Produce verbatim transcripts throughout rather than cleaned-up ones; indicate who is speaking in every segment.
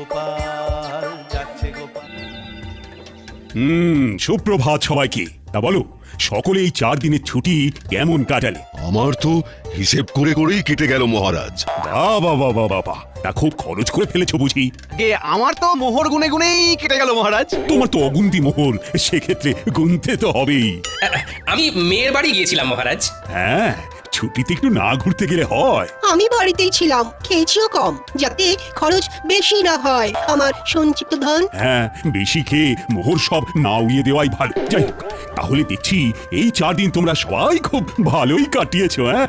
Speaker 1: গোপাল, যাচ্ছে গোপাল।
Speaker 2: হুম সুপ্রভাত সবাইকে। তা বলো, সকলে এই চার দিনের ছুটি কেমন কাটালে?
Speaker 3: আমার তো হিসেব করে করেই কেটে গেল মহারাজ।
Speaker 2: বাবা বাবা বাবা, তা খুব খরচ করে ফেলেছো বুঝি?
Speaker 4: গে আমার তো মোহর গুনে গুনেই কেটে গেল মহারাজ।
Speaker 2: তোমার তো অগুন্তি মোহর, সেক্ষেত্রে গুনতে তো হবেই।
Speaker 5: আমি মেয়ের বাড়ি গিয়েছিলাম মহারাজ।
Speaker 2: হ্যাঁ, ছুটিতে একটু না ঘুরতে গেলে হয়?
Speaker 6: আমি বাড়িতেই ছিলাম, খেয়েছিও কম, যাতে খরচ বেশি না হয় আমার সঞ্চিত ধন।
Speaker 2: হ্যাঁ, বেশি খেয়ে মোহর সব না উড়িয়ে দেওয়াই ভালো। যাই হোক, তাহলে দেখছি এই চার দিন তোমরা সবাই খুব ভালোই কাটিয়েছো। হ্যাঁ,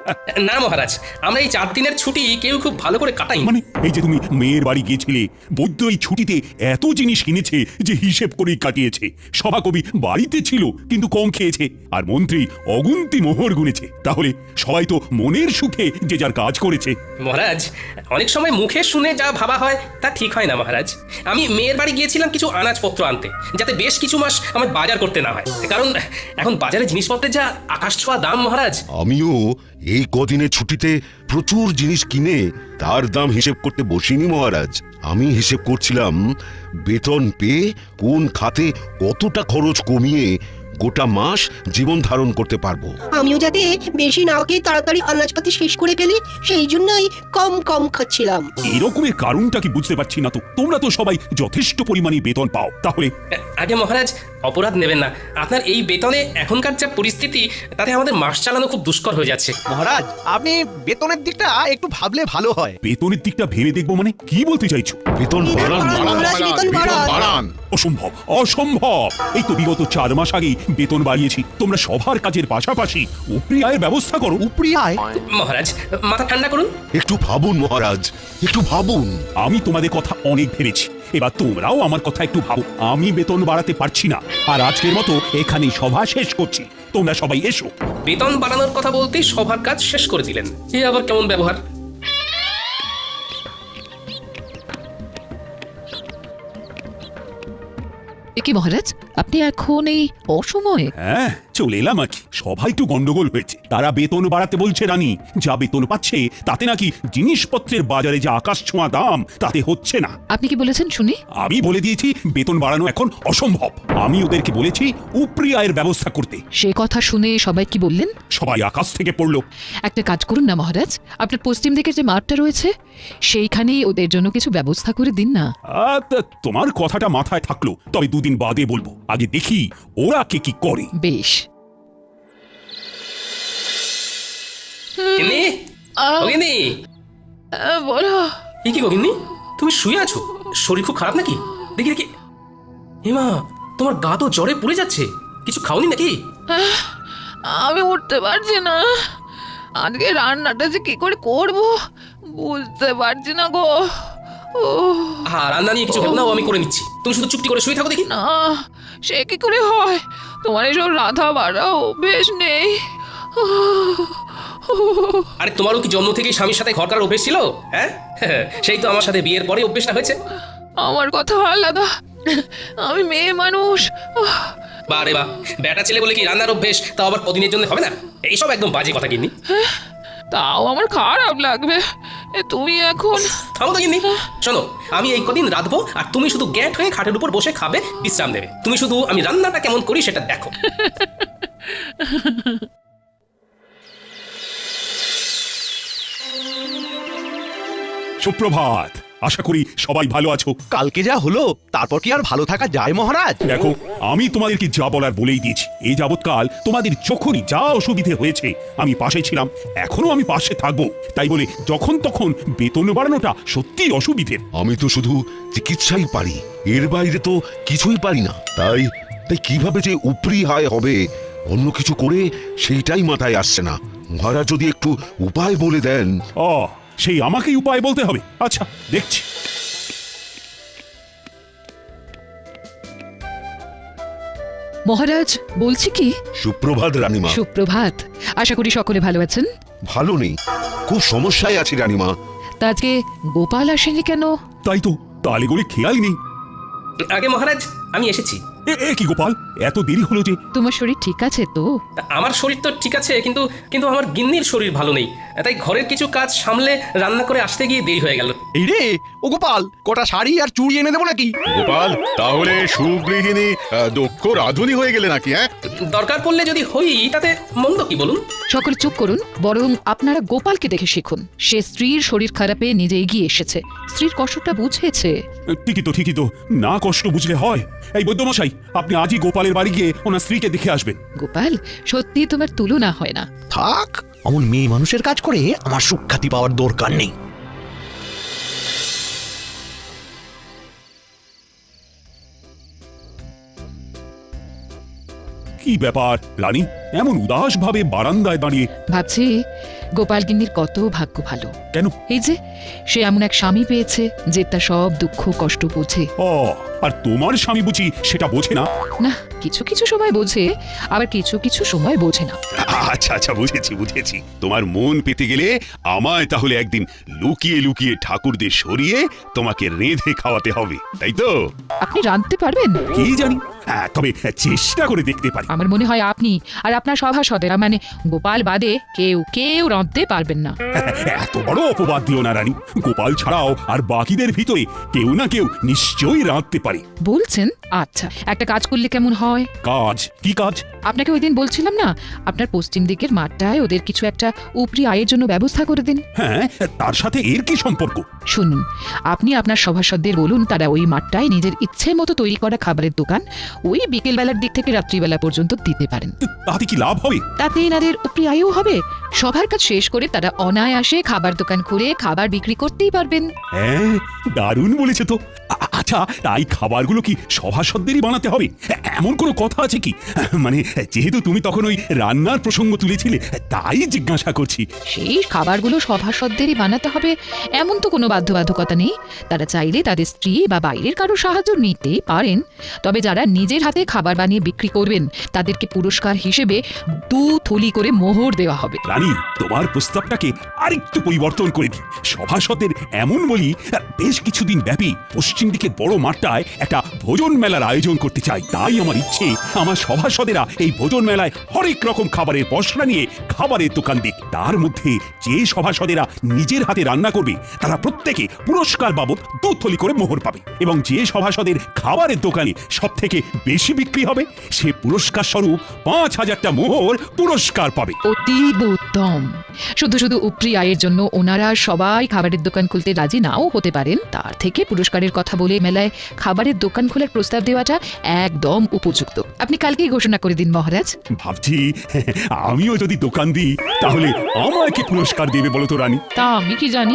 Speaker 5: না মহারাজ, আমরা এই চার দিনের ছুটি কেউ খুব ভালো করে কাটাই।
Speaker 2: মানে এই যে তুমি মেয়ের বাড়ি গিয়েছিলে, বৈদ্য এই ছুটিতে এত জিনিস কিনেছে যে হিসেব করেই কাটিয়েছে। সভাকবি বাড়িতে ছিল কিন্তু কম খেয়েছে, আর মন্ত্রী অগুন্তি মোহর গুনেছে। তাহলে সবাই তো মনের সুখে যে যার কাজ করেছে।
Speaker 5: মহারাজ, অনেক সময় মুখে শুনে যা ভাবা হয় তা ঠিক হয় না মহারাজ। আমি মেয়ের বাড়ি গিয়েছিলাম কিছু আনাজপত্র আনতে, যাতে বেশ কিছু মাস আমার বাজার করতে না হয়, কারণ এখন বাজারে জিনিসপত্রের যা আকাশ ছোঁয়া দাম মহারাজ।
Speaker 3: আমিও এই কদিনে ছুটিতে প্রচুর জিনিস কিনে তার দাম হিসেব করতে বসিনি মহারাজ। আমি হিসেব করছিলাম বেতন পেয়ে কোন খাতে কতটা খরচ কমিয়ে গোটা মাস জীবন ধারণ করতে পারবো।
Speaker 6: আমিও যাতে বেশি না খেয়ে তাড়াতাড়ি আনাজপাতি শেষ করে ফেলি, সেই জন্যই কম কম খাচ্ছিলাম।
Speaker 2: এরকমের কারণটা কি বুঝতে পারছি না তো। তোমরা তো সবাই যথেষ্ট পরিমাণে বেতন পাও, তাহলে
Speaker 5: আগে মহারাজ, অপরাধ নেবেন না। আপনার এই বেতনে এখনকার যা পরিস্থিতি, তাতে আমাদের মাস চালানো খুব দুষ্কর হয়ে যাচ্ছে।
Speaker 4: মহারাজ, আপনি বেতনের দিকটা একটু ভাবলে ভালো হয়।
Speaker 2: বেতনের দিকটা ভেবে দেখবো মানে কি বলতে চাইছো?
Speaker 3: বেতন বাড়ান
Speaker 6: মহারাজ, বেতন বাড়ান।
Speaker 2: অসম্ভব, অসম্ভব। এই তো বিগত চার মাস আগে বেতন বাড়িয়েছি। তোমরা সবার কাজের পাশাপাশি উপরি আয়ের ব্যবস্থা করো।
Speaker 4: উপরি আয়?
Speaker 5: মহারাজ, মাথা ঠান্ডা করুন।
Speaker 3: একটু ভাবুন মহারাজ, একটু ভাবুন।
Speaker 2: আমি তোমাদের কথা অনেক ভেবেছি, এবার তোমরাও আমার কথা একটু ভাবো। আমি বেতন বাড়াতে পারছি না, আর আজকের মতো এখানেই সভা শেষ করছি। তোমরা সবাই এসো।
Speaker 5: বেতন বাড়ানোর কথা বলতেই সবার কাজ শেষ করে দিলেন, এ আবার কেমন ব্যবহার?
Speaker 7: কি মহারাজ, আপনি এখন এই অসময়ে?
Speaker 2: হ্যাঁ, চলে এলাম আর কি। সবাই একটু গন্ডগোল হয়েছে। তারা বেতন বাড়াতে বলছে রানী, যা বেতন পাচ্ছে তাতে নাকি জিনিসপত্রের বাজারে যে আকাশ ছোঁয়া দাম তাতে হচ্ছে না।
Speaker 7: আপনি কি বলেছেন শুনি?
Speaker 2: আমি বলে দিয়েছি বেতন বাড়ানো এখন অসম্ভব। আমি ওদেরকে বলেছি উপরি আয়ের ব্যবস্থা করতে।
Speaker 7: সে কথা শুনে সবাই কি বললেন?
Speaker 2: সবাই আকাশ থেকে পড়লো।
Speaker 7: একটা কাজ করুন না মহারাজ, আপনার পশ্চিম দিকের যে মাঠটা রয়েছে সেইখানেই ওদের জন্য কিছু ব্যবস্থা করে দিন না।
Speaker 2: আহ, তা তোমার কথাটা মাথায় থাকলো, তবে দুদিন বাদে বলবো। আগে দেখি ওরা কে কি করে।
Speaker 7: বেশ।
Speaker 5: গিন্নি, ও গিন্নি।
Speaker 7: বলো।
Speaker 5: এ কি গো গিন্নি, তুমি শুয়ে আছো? শরীর খুব খারাপ নাকি? দেখি দেখি। হেমা, তোমার গা তো জ্বরে পুড়ে যাচ্ছে। কিছু খাওনি নাকি?
Speaker 8: আমি উঠতে পারছি না। আজকে রান্নাটা যে কি করে করব বুঝতে পারছি না গো। ও
Speaker 5: হ্যাঁ, রান্না নিয়ে কিছু ভেবো না, ও আমি করে নিচ্ছি। তুমি শুধু চুপটি করে শুয়ে থাকো দেখি।
Speaker 8: না, সে কি করে হয়? তোমার এসব রাধা বাড়া অভ্যেস নেই।
Speaker 5: আরে তোমারও কি জন্ম থেকেই স্বামীর সাথে ঘর করার অভ্যেস ছিল? হ্যাঁ, সেই তো আমার সাথে বিয়ের পরে অভ্যেসটা হয়েছে।
Speaker 8: আমার কথা আলাদা, আমি মেয়ে মানুষ।
Speaker 5: বা রে বা, বেটা ছেলে বলে কি রান্নার অভ্যেস তাও আবার কদিনের জন্য হবে না? এইসব একদম বাজে কথা গিন্নি।
Speaker 8: তাও আমার খারাপ লাগবে। এ তুমি এখন
Speaker 5: থামো তো গিন্নি। শোনো, আমি এই কদিন রাঁধবো আর তুমি শুধু গ্যাট হয়ে খাটের উপর বসে খাবে, বিশ্রাম দেবে। তুমি শুধু আমি রান্নাটা কেমন করি সেটা দেখো।
Speaker 2: সুপ্রভাত, আশা করি সবাই ভালো আছো।
Speaker 4: কালকে যা হলো তারপর কি আর ভালো থাকা যায় মহারাজ?
Speaker 2: দেখো, আমি তোমাদেরকে যা বলার বলেই দিয়েছি। এই যাবৎকাল তোমাদের যখনই যা অসুবিধে হয়েছে আমি পাশে ছিলাম, এখনো আমি পাশে থাকবো। তাই বলে যখন তখন বেতন বাড়ানোটা সত্যি অসুবিধের।
Speaker 3: আমি তো শুধু চিকিৎসাই পারি, এর বাইরে তো কিছুই পারি না। তাই তাই কিভাবে যে উপরি আয় হবে অন্য কিছু করে সেইটাই মাথায় আসছে না। মহারাজ যদি একটু উপায় বলে দেন।
Speaker 2: ও, সেই আমাকেই উপায় বলতে হবে? আচ্ছা, দেখছি।
Speaker 7: মহারাজ, বলছি কি?
Speaker 3: সুপ্রভাত রানীমা।
Speaker 7: সুপ্রভাত। আশা করি সকলে ভালো আছেন।
Speaker 3: ভালো নেই, খুব সমস্যায় আছি রানীমা।
Speaker 7: তা আজকে গোপাল আসেনি কেন?
Speaker 2: তাই তো, তালে গড়ে খেয়ালই নেই।
Speaker 5: আগে মহারাজ, আমি এসেছি।
Speaker 2: এ এ কি গোপাল, এত দেরি হলো যে?
Speaker 7: তোমার শরীর ঠিক আছে তো?
Speaker 5: তা আমার শরীর তো ঠিক আছে, কিন্তু কিন্তু আমার গিন্নির শরীর ভালো নেই, তাই ঘরের কিছু কাজ সামলে রান্না করে আসতে গিয়ে দেরি হয়ে গেল।
Speaker 4: এই রে ও গোপাল, কটা শাড়ি আর চুড়ি এনে দেবো নাকি?
Speaker 1: গোপাল, তাহলে সুগৃহিণী আহ, দক্ষ রাধুনী হয়ে গেলে নাকি? হ্যাঁ,
Speaker 5: দরকার পড়লে যদি হই তাতে মন্দ কি বলুন?
Speaker 7: সকলে চুপ করুন, বরং আপনারা গোপালকে দেখে শিখুন। সে স্ত্রীর শরীর খারাপে নিজে এগিয়ে এসেছে, স্ত্রীর কষ্টটা বুঝেছে।
Speaker 2: ঠিকই তো ঠিকই তো, না কষ্ট বুঝলে হয়। এই বৈদ্যমশাই, আপনি আজই গোপালের বাড়ি গিয়ে ওনার স্ত্রীকে দেখে আসবেন।
Speaker 7: গোপাল, সত্যি তোমার তুলনা হয় না।
Speaker 4: থাক, অমন মেয়ে মানুষের কাজ করে আমার সুখ্যাতি পাওয়ার দরকার নেই।
Speaker 2: কি ব্যাপার রানী, এমন উদাস ভাবে বারান্দায় দাঁড়িয়ে?
Speaker 7: ভাবছি গোপাল গিন্নির কত ভাগ্য ভালো।
Speaker 2: কেন?
Speaker 7: এই যে সে এমন এক স্বামী পেয়েছে যে তার সব দুঃখ কষ্ট বোঝে।
Speaker 2: ও, আর তোমার স্বামী বুঝি সেটা বোঝে না?
Speaker 7: না, কিছু কিছু সময় বোঝে, আবার কিছু কিছু সময় বোঝে না।
Speaker 2: আচ্ছা আচ্ছা, বুঝেছি বুঝেছি। তোমার মন পেতে গেলে আমায় তাহলে একদিন লুকিয়ে লুকিয়ে ঠাকুরদের সরিয়ে তোমাকে রেঁধে খাওয়াতে হবে, তাই তো?
Speaker 7: আপনি রাঁধতে পারবেন?
Speaker 2: কি জানি, হ্যাঁ, তবে চেষ্টা করে দেখতে পারি।
Speaker 7: আমার মনে হয় আপনি আর আপনার সভাসদেরা, মানে গোপাল বাদে কেউ কেউ রাঁধতে পারবেন না।
Speaker 2: এত বড় অপবাদ দিও না রানী। গোপাল ছাড়াও আর বাকিদের ভিতরে কেউ না কেউ নিশ্চয়ই রাঁধতে পারে।
Speaker 7: বলছেন? আচ্ছা, একটা কাজ করলে কেমন হয়?
Speaker 2: কাজ? কি কাজ?
Speaker 7: আপনাকে ওই দিন বলছিলাম না, আপনার পশ্চিম দিকের মাঠটায় ওদের কিছু একটা উপরি আয়ের জন্য ব্যবস্থা করে দিন।
Speaker 2: হ্যাঁ, তার সাথে এর কি সম্পর্ক?
Speaker 7: শুনুন, আপনি আপনার সভাসদদের বলুন তারা ওই মাঠটায় নিজের ইচ্ছে মতো তৈরি করা খাবারের দোকান ওই বিকেল বেলার দিক থেকে রাত্রিবেলা পর্যন্ত দিতে পারেন।
Speaker 2: তাতে কি লাভ হবে?
Speaker 7: তাতে এনাদের উপরি আয়ও হবে। সবার কাজ শেষ করে তারা অনায়াসে খাবার দোকান খুলে খাবার বিক্রি করতেই পারবেন।
Speaker 2: হ্যাঁ, দারুণ বলেছে তো। আ- আচ্ছা, তাই খাবারগুলো কি সভাসদেরই বানাতে হবে? এ- এমন কোনো কথা আছে কি? মানে যেহেতু তুমি তখন ওই রান্নার প্রসঙ্গ তুলেছিলে, তাই জিজ্ঞাসা করছি।
Speaker 7: সেই খাবারগুলো সভাসদেরই বানাতে হবে এমন তো কোনো বাধ্যবাধকতা নেই। তারা চাইলে তাদের স্ত্রী বা বাইরের কারো সাহায্য নিতেই পারেন। তবে যারা নিজের হাতে খাবার বানিয়ে বিক্রি করবেন তাদেরকে পুরস্কার হিসেবে দু থলি করে মোহর দেওয়া হবে।
Speaker 2: রানী, তোমার প্রস্তাবটাকে আরেকটু পরিবর্তন করে দিই। সভাসদের এমন বলি, বেশ কিছুদিন ব্যাপী পশ্চিম দিকের বড় মাঠটায় একটা ভোজন মেলার আয়োজন করতে চাই। তাই আমার ইচ্ছে, আমার সভাসদেরা এই ভোজন মেলায় হরেক রকম খাবারের পসরা নিয়ে খাবারের দোকান দিক। তার মধ্যে যে সভাসদেরা নিজের হাতে রান্না করবে তারা প্রত্যেকে পুরস্কার বাবদ দু থলি করে মোহর পাবে, এবং যে সভাসদের খাবারের দোকানে সব থেকে বেশি বিক্রি হবে সে পুরস্কার স্বরূপ পাঁচ হাজারটা মোহর পুরস্কার পাবে।
Speaker 7: অতীব উত্তম। শুধু শুধু উপরি আয়ের জন্য ওনারা সবাই খাবারের দোকান খুলতে রাজি নাও হতে পারেন। তার থেকে পুরস্কারের কথা বলে মেলায় খাবারের দোকান খোলার প্রস্তাব দেওয়াটা একদম উপযুক্ত। আপনি কালকেই ঘোষণা করে দিন মহারাজ।
Speaker 2: ভাবছি আমিও যদি দোকান দিই তাহলে আমায় কি পুরস্কার দেবে বলো তো রানী?
Speaker 7: তা আমি কি জানি।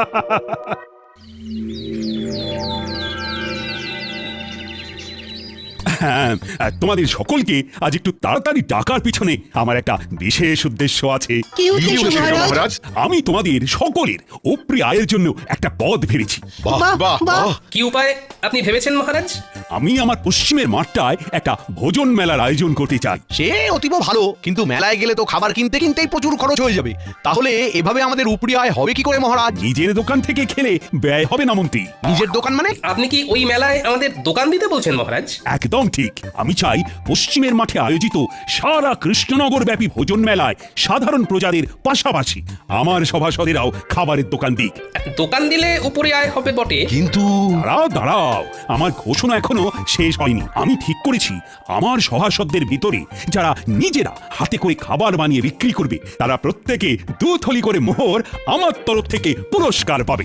Speaker 2: হ্যাঁ, তোমাদের সকলকে আজ একটু তাড়াতাড়ি ডাকার পিছনে আমার একটা বিশেষ উদ্দেশ্য আছে।
Speaker 6: কি উদ্দেশ্য মহারাজ?
Speaker 1: মহারাজ,
Speaker 2: আমি তোমাদের সকলের উপরি আয়ের জন্য একটা পদ ভেবেছি।
Speaker 1: বাহ
Speaker 6: বাহ,
Speaker 1: বাহ
Speaker 6: বাহ।
Speaker 1: বাহ।
Speaker 5: কি উপায় আপনি ভেবেছেন মহারাজ?
Speaker 2: আমি আমার পশ্চিমের মাঠটায় একটা ভোজন মেলার আয়োজন করতে চাই।
Speaker 4: সে অতীব ভালো, কিন্তু মেলায় গেলে তো খাবার কিনতে কিনতেই প্রচুর খরচ হয়ে যাবে। তাহলে এভাবে আমাদের উপরি আয় হবে কি করে মহারাজ?
Speaker 2: নিজের দোকান থেকে খেলে ব্যয় হবে না মন্ত্রী।
Speaker 4: নিজের দোকান মানে?
Speaker 5: আপনি কি ওই মেলায় আমাদের দোকান দিতে বলছেন মহারাজ?
Speaker 2: একদম ঠিক। আমি চাই পশ্চিমের মাঠে আয়োজিত সারা কৃষ্ণনগর ব্যাপী ভোজন মেলায় সাধারণ প্রজাদের পাশাপাশি আমার সভাসদেরাও খাবারের দোকান দিক।
Speaker 5: দোকান দিলে উপরে আয় হবে বটে,
Speaker 3: কিন্তু
Speaker 2: দাঁড়াও দাঁড়াও, আমার ঘোষণা এখনো শেষ হয়নি। আমি ঠিক করেছি আমার সভাসদদের ভিতরে যারা নিজেরা হাতে করে খাবার বানিয়ে বিক্রি করবে তারা প্রত্যেকে দু থলি করে মোহর আমার তরফ থেকে পুরস্কার পাবে।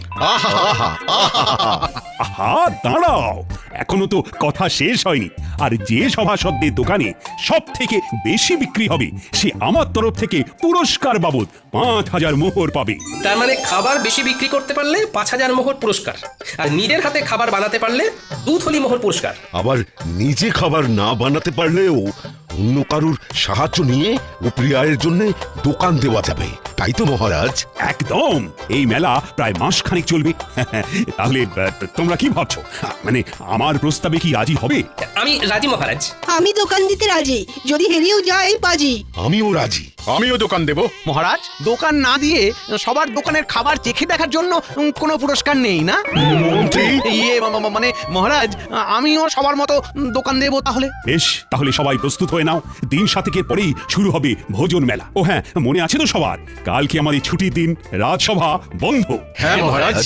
Speaker 2: আহা, দাঁড়াও, এখনো তো কথা শেষ হয়নি। আর যে সভাসদদের দোকানে সব থেকে বেশি বিক্রি হবে সে আমার তরফ থেকে পুরস্কার বাবদ পাঁচ হাজার মোহর পাবে।
Speaker 5: তার মানে খাবার বেশি বিক্রি করতে পারলে পাঁচ হাজার মোহর পুরস্কার, আর নিজের হাতে খাবার বানাতে পারলে দু থলি মোহর পুরস্কার।
Speaker 3: আবার নিজে খাবার না বানাতে পারলেও অন্য কারুর সাহায্য নিয়ে উপরি আয়ের জন্য দোকান দেওয়া যাবে, তাই তো মহারাজ?
Speaker 2: একদম। এই মেলা প্রায় মাস খানিক চলবে। তাহলে আহ, তোমরা কি ভাবছো? মানে আমার প্রস্তাবে কি রাজি হবে?
Speaker 5: আমি রাজি মহারাজ।
Speaker 6: আমি দোকান দিতে রাজি, যদি হেরেও যাই বাজি।
Speaker 3: আমিও রাজি।
Speaker 1: আমিও দোকান দেব।
Speaker 4: মহারাজ, দোকান না দিয়ে সবার দোকানের খাবার চেখে দেখার জন্য উম, কোনো পুরস্কার নেই না?
Speaker 1: মন্ত্রী
Speaker 4: ইয়ে মা- মা- মানে মহারাজ, আমিও সবার মতো উম, দোকান দেবো তাহলে।
Speaker 2: বেশ, তাহলে সবাই প্রস্তুত হয়ে নাও। দিন সাতেকের পরেই শুরু হবে ভোজন মেলা। ও হ্যাঁ, মনে আছে তো সবার, কালকে আমাদের ছুটির দিন, রাজসভা বন্ধ।
Speaker 1: হ্যাঁ মহারাজ।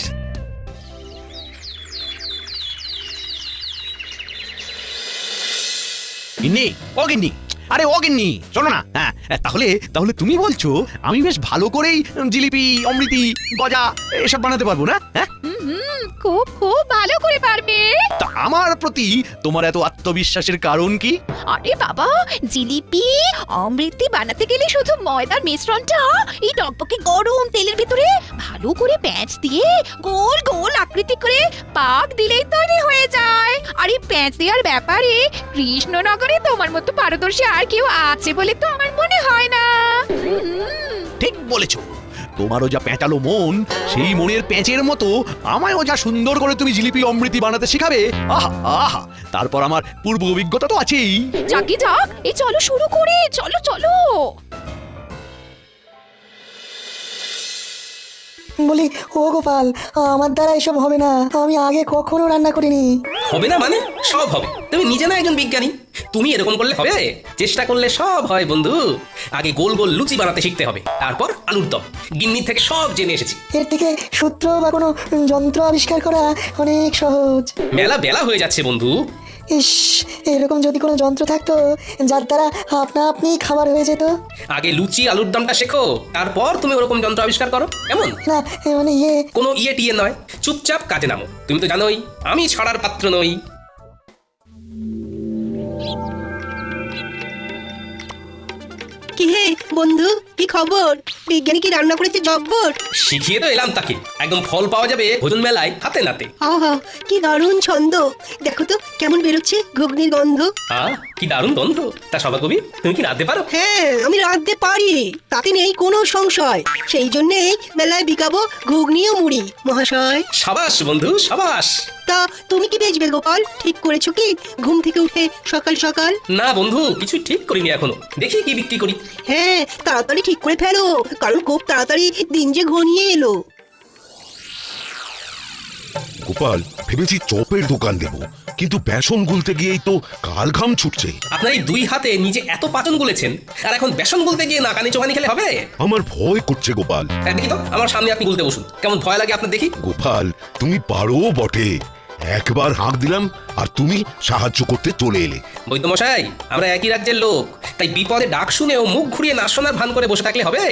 Speaker 4: গিন্নি, ও গিন্নি, আরে ও গিন্নি, শোনো না। হ্যাঁ, তাহলে তাহলে তুমি বলছো আমি বেশ ভালো করেই জিলিপি, অমৃতি, গজা এসব বানাতে পারবো না? হ্যাঁ,
Speaker 8: হুম খুব খুব ভালো করে পারবে।
Speaker 4: তা আমার প্রতি তোমার এত আত্মবিশ্বাসের কারণ কি?
Speaker 8: আরে বাবা, জিলিপি অমৃতি বানাতে গেলে শুধু ময়দার মিশ্রণটা এই টকটকে গরম তেলের ভিতরে ভালো করে প্যাঁচ দিয়ে গোল গোল আকৃতি করে পাক দিলেই তৈরি হয়ে যায়। আর এই প্যাঁচ দেওয়ার ব্যাপারে কৃষ্ণনগরে তোমার মতো পারদর্শী আর কেউ আছে বলে তো আমার মনে হয় না। হুম,
Speaker 4: ঠিক বলেছো, তোমারও যা পেঁচালো মন, সেই মনের পেঁচের মতো আমায়ও যা সুন্দর করে তুমি জিলিপি অমৃতি বানাতে শেখাবে, আহা আহা, তারপর আমার পূর্ব অভিজ্ঞতা তো আছেই।
Speaker 8: যাকে যাক, এই চলো শুরু করে, চলো চলো।
Speaker 9: বলি, ও গোপাল, আমার দ্বারা এসব হবে না। আমি আগে কখনো রান্না করিনি।
Speaker 5: হবে না মানে সব হবে। তুমি নিজে না একজন বিজ্ঞানী, তুমি এরকম করলে হবে? চেষ্টা করলে সব হয় বন্ধু। আগে গোল গোল লুচি বানাতে শিখতে হবে, তারপর আলুর দম। গিন্নি থেকে সব জেনে এসেছি।
Speaker 9: এর থেকে সূত্র বা কোনো যন্ত্র আবিষ্কার করা অনেক সহজ।
Speaker 5: মেলা বেলা হয়ে যাচ্ছে বন্ধু।
Speaker 9: ইস, এরকম যদি কোনো যন্ত্র থাকতো যার দ্বারা আপনা আপনি খাবার হয়ে যেত।
Speaker 5: আগে লুচি আলুর দমটা শেখো, তারপর তুমি ওরকম যন্ত্র আবিষ্কার করো। এমন
Speaker 9: না, এ মানে ইয়ে
Speaker 5: কোনো ইয়ে টিয়ে নয়, চুপচাপ কাজে নামো। তুমি তো জানোই আমি ছড়ার পাত্র নই।
Speaker 6: কি হে বন্ধু, কি খবর? বিজ্ঞানী কি রান্না করেছে জব্বর?
Speaker 5: শিখিয়ে তো এলাম তাকে, একদম ফল পাওয়া যাবে ভোজন মেলায় হাতে নাতে।
Speaker 6: আহা, কি দারুণ ছন্দ! দেখো তো কেমন বেরোচ্ছে ঘুগনির গন্ধ।
Speaker 5: আহ কি দারুণ গন্ধ। তা সবা কবি, তুমি কি রাঁধতে পারো?
Speaker 6: হ্যাঁ, আমি রাঁধতে পারি, তাতে নেই কোনো সংশয়। সেই জন্যেই মেলায় বিকাবো ঘুগনি ও মুড়ি মহাশয়।
Speaker 5: সাবাস বন্ধু সাবাস।
Speaker 6: তা তুমি কি বেচবে গোপাল? ঠিক করেছো কি ঘুম থেকে উঠে সকাল সকাল?
Speaker 5: না বন্ধু, কিছু ঠিক করিনি এখনো, দেখি কি বিক্রি করি।
Speaker 6: হ্যাঁ, তাড়াতাড়ি ঠিক করে ফেলো, কারণ খুব তাড়াতাড়ি দিন যে ঘনিয়ে এলো।
Speaker 3: গোপাল, ভেবেছি চপের দোকান দেব, কিন্তু বেসন গুলতে গিয়েই তো কাল ঘাম ছুটছে।
Speaker 5: আপনার এই দুই হাতে নিজে এত পাচন গুলেছেন, আর এখন বেসন গুলতে গিয়ে নাকানি চোখানি খেলে হবে?
Speaker 3: আমার ভয় করছে গোপাল।
Speaker 5: হ্যাঁ, দেখি তো আমার সামনে আপনি গুলতে বসুন, কেমন ভয় লাগে আপনার দেখি।
Speaker 3: গোপাল, তুমি পারো বটে। একবার হাঁক দিলাম আর তুমি সাহায্য করতে চলে এলে।
Speaker 5: বৈদ্যমশাই, আমরা একই রাজ্যের লোক, তাই বিপদে ডাক শুনেও মুখ ঘুরিয়ে না শোনার ভান করে বসে থাকলে হবে?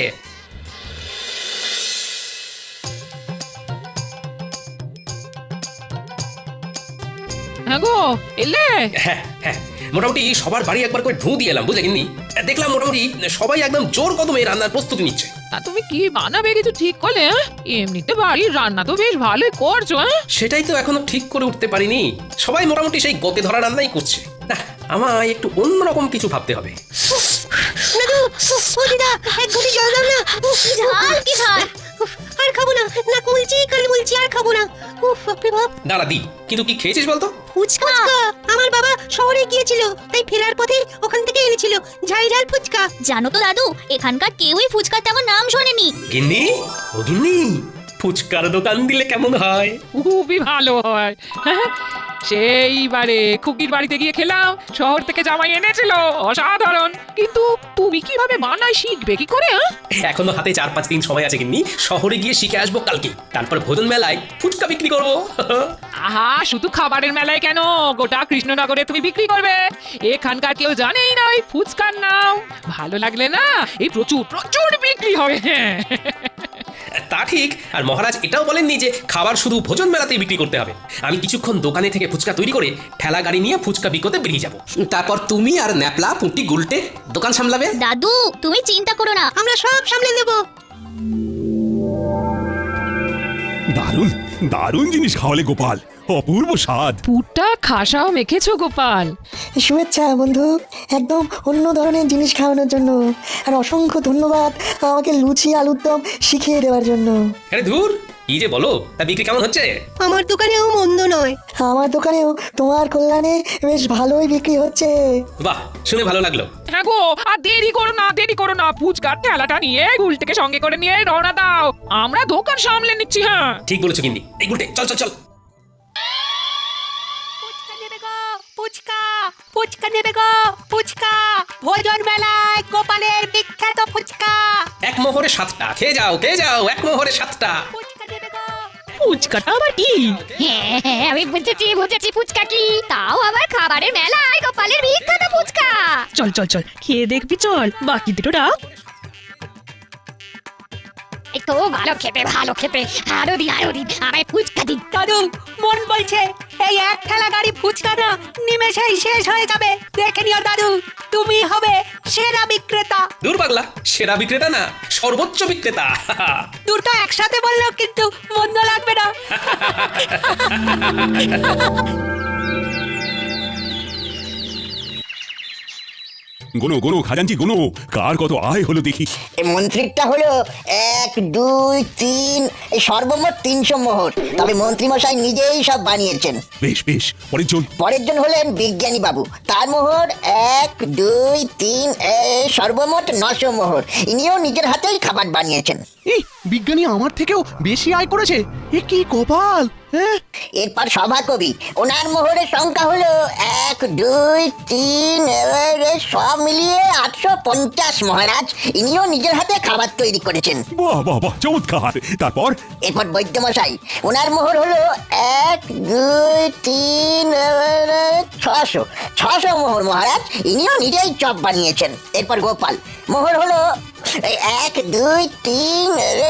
Speaker 8: হ্যাঁ গো, এলে?
Speaker 5: হ্যাঁ হ্যাঁ, মোটামুটি সবার বাড়ি একবার করে ঢু দিয়ে এলাম, বুঝলে গিন্নি? দেখলাম মোটামুটি সবাই একদম জোর কদমে রান্নার প্রস্তুতি নিচ্ছে।
Speaker 8: তা তুমি কি বানাবে কিছু ঠিক করলে? হ্যাঁ? এমনিতে বাড়ির রান্না তো বেশ ভালোই করছো। হ্যাঁ,
Speaker 5: সেটাই তো এখনো ঠিক করে উঠতে পারিনি। সবাই মোটামুটি সেই গতে ধরা রান্নাই করছে। না, আমায় একটু অন্যরকম কিছু ভাবতে হবে।
Speaker 6: দাদু, ও দিদা, এক ঘটি জল দাও না। উফ, কি ঝাল, কি ঝাল! উফ, আর খাবো না, নাক মুলছি, কান মুলছি, আর খাবো না। উফ, বাপরে বাপ!
Speaker 5: দাঁড়া দি, কিন্তু কি খেয়েছিস বলতো?
Speaker 6: ফুচকা! আমার বাবা শহরে গিয়েছিল, তাই ফেরার পথে ওখান থেকে এনেছিল ঝাল ঝাল ফুচকা।
Speaker 10: জানো তো দাদু, এখানকার কেউই ফুচকার তেমন নাম শোনেনি।
Speaker 5: গিন্নি, ও গিন্নি, ফুচকার দোকান দিলে কেমন হয়?
Speaker 8: খুবই ভালো হয়। হ্যাঁ, সেইবারে খুকির বাড়িতে গিয়ে খেলাম, শহর থেকে জামাই এনেছিল, অসাধারণ। কিন্তু তুমি কিভাবে বানাই শিখবে কি করে? হ্যাঁ,
Speaker 5: এখনো হাতে চার পাঁচ দিন সময় আছে গিন্নি, শহরে গিয়ে শিখে আসবো কালকে, তারপর ভোজন মেলায় ফুচকা বিক্রি করবো।
Speaker 8: আহা, শুধু খাবারের মেলায় কেন, গোটা কৃষ্ণনগরে তুমি বিক্রি করবে। এখানকার কেউ জানেই না ওই ফুচকার নাম। ভালো লাগলে না, এই প্রচুর প্রচুর বিক্রি হবে। হ্যাঁ,
Speaker 5: তা ঠিক। আর মহারাজ এটাও বলেননি যে খাবার শুধু ভোজন মেলাতেই বিক্রি করতে হবে। আমি কিছুক্ষণ দোকানে থেকে ফুচকা তৈরি করে ঠেলা গাড়ি নিয়ে ফুচকা বিকোতে বেরিয়ে যাব। তারপর তুমি আর ন্যাপলা পুঁটি গুলটে দোকান সামলাবে।
Speaker 10: দাদু, তুমি চিন্তা করো না,
Speaker 6: আমরা সব সামলে নেবো।
Speaker 2: দারুণ দারুণ জিনিস খাওয়ালে গোপাল, অপূর্ব স্বাদ।
Speaker 7: পুরটা খাসাও মেখেছো গোপাল।
Speaker 9: শুভেচ্ছা বন্ধু, একদম অন্য ধরনের জিনিস খাওয়ানোর জন্য। আর অসংখ্য ধন্যবাদ আমাকে লুচি আলুর দম শিখিয়ে দেওয়ার জন্য।
Speaker 5: আরে ধুর, কি যে বলো, তা বিক্রি কেমন হচ্ছে?
Speaker 6: আমার দোকানেও মন্দ নয়।
Speaker 9: আমার দোকানেও তোমার কল্যাণে বেশ ভালোই বিক্রি হচ্ছে।
Speaker 5: বাহ, শুনে ভালো লাগলো।
Speaker 11: হ্যাঁ গো, আর দেরি করো না, দেরি করো না, ফুচকার ঠেলাটা নিয়ে গুলটিকে সঙ্গে করে নিয়ে রওনা দাও, আমরা দোকান সামলে নিচ্ছি। হ্যাঁ
Speaker 5: ঠিক বলেছো গিন্নি। এই গুলটে, চল চল চল।
Speaker 6: ফুচকা নেবে গো, ফুচকা ফুচকা নেবে গো, ফুচকা ভোজন মেলায় গোপালের বিখ্যাত ফুচকা।
Speaker 5: এক মোহরে সাতটা, খেয়ে যাও খেয়ে যাও, এক মোহরে সাতটা।
Speaker 6: ফুচকা নেবে গো।
Speaker 11: ফুচকাটা আবার কি?
Speaker 8: হ্যাঁ হ্যাঁ আমি বুঝেছি বুঝেছি ফুচকা কি, তাও আবার খাবারের মেলায় গোপালের বিখ্যাত ফুচকা।
Speaker 11: চল চল চল, খেয়ে দেখবি, চল বাকি দুটো রাখ।
Speaker 8: এই তো ভালো খেতে ভালো খেতে, আরো দিন আরো দিন, আমায় ফুচকা দিন।
Speaker 6: দাদু, মন বলছে এই এক ঠেলা গাড়ি ফুচকা না নিমেষেই শেষ হয়ে যাবে। দেখে নিও দাদু, তুমি হবে সেরা বিক্রেতা।
Speaker 5: দূর পাগলা, সেরা বিক্রেতা না, সর্বোচ্চ বিক্রেতা।
Speaker 6: দুটো একসাথে বললেও কিন্তু মন্দ লাগবে না।
Speaker 2: গোনো গোনো খাজাঞ্চি গোনো, কার কত আয় হলো দেখি।
Speaker 9: মন্ত্রীরটা হলো এক দুই তিন, এই সর্বমোট তিনশো মোহর। তবে মন্ত্রী মশাই নিজেই সব বানিয়েছেন।
Speaker 2: বেশ বেশ, পরের জন।
Speaker 9: পরের জন হলেন বিজ্ঞানী বাবু, তার মোহর এক দুই তিন, এই সর্বমোট নশো মোহর। ইনিও নিজের হাতেই খাবার বানিয়েছেন।
Speaker 4: এই বিজ্ঞানী আমার থেকেও বেশি আয় করেছে, এ কি কপাল। হ্যাঁ,
Speaker 9: এরপর সভাকবি, ওনার মোহরের সংখ্যা হলো এক দুই তিন, এবারে সব মিলিয়ে আটশো পঞ্চাশ মহারাজ। ইনিও নিজের হাতে খাবার তৈরি করেছেন।
Speaker 2: বাহ বাহ বাহ, চমৎকার। তারপর
Speaker 9: এরপর বৈদ্যমশাই, ওনার মোহর হলো এক দুই তিন, এবারে ছশো ছশো মোহর মহারাজ। ইনিও নিজেই চপ বানিয়েছেন। এরপর গোপাল, মোহর হলো এই এক দুই তিন, এবারে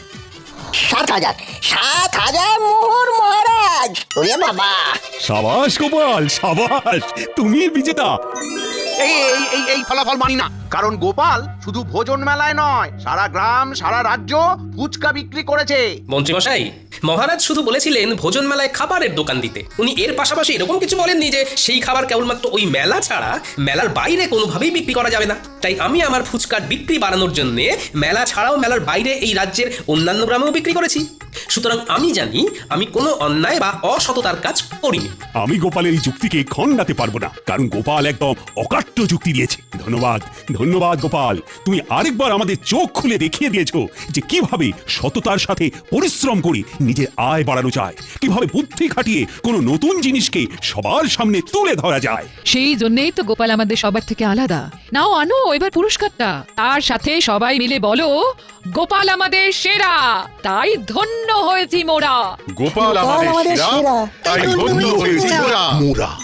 Speaker 9: সাত হাজার সাত হাজার মোহর মহারাজ। ওরে বাবা!
Speaker 2: সাবাস গোপাল, সাবাস, তুমি বিজেতা।
Speaker 4: এই এই এই এই ফলাফল মানি না, কারণ গোপাল শুধু ভোজন মেলায় নয়, সারা গ্রাম সারা রাজ্য ফুচকা বিক্রি করেছে।
Speaker 5: মন্ত্রী মশাই, মহারাজ শুধু বলেছিলেন ভোজন মেলায় খাবারের দোকান দিতে। উনি এর পাশাপাশি এরকম কিছু বলেননি যে সেই খাবার কেবলমাত্র ওই মেলা ছাড়া মেলার বাইরে কোনোভাবেই বিক্রি করা যাবে না। তাই আমি আমার ফুচকার বিক্রি বাড়ানোর জন্য মেলা ছাড়াও মেলার বাইরে এই রাজ্যের অন্যান্য গ্রামেও বিক্রি করেছি। সুতরাং আমি জানি আমি কোনো অন্যায় বা অসততার কাজ করিনি।
Speaker 2: আমি গোপালের এই যুক্তিকে খণ্ডাতে পারবো না, কারণ গোপাল একদম অকাট্য যুক্তি দিয়েছে। ধন্যবাদ ধন্যবাদ গোপাল, তুমি আরেকবার আমাদের চোখ খুলে দেখিয়ে দিয়েছো যে কিভাবে সততার সাথে পরিশ্রম করে নিজের আয় বাড়ানো যায়, কিভাবে বুদ্ধি খাটিয়ে কোনো নতুন জিনিসকে সবার সামনে তুলে ধরা যায়।
Speaker 7: সেই জন্যই তো গোপাল আমাদের সবার থেকে আলাদা। নাও আনো এবার পুরস্কারটা, তার সাথে সবাই মিলে বলো গোপাল আমাদের সেরা, তাই ধন্য হয়েছি মোরা।
Speaker 1: গোপাল আমাদের সেরা, তাই ধন্য হয়েছি মোরা।
Speaker 3: মোরা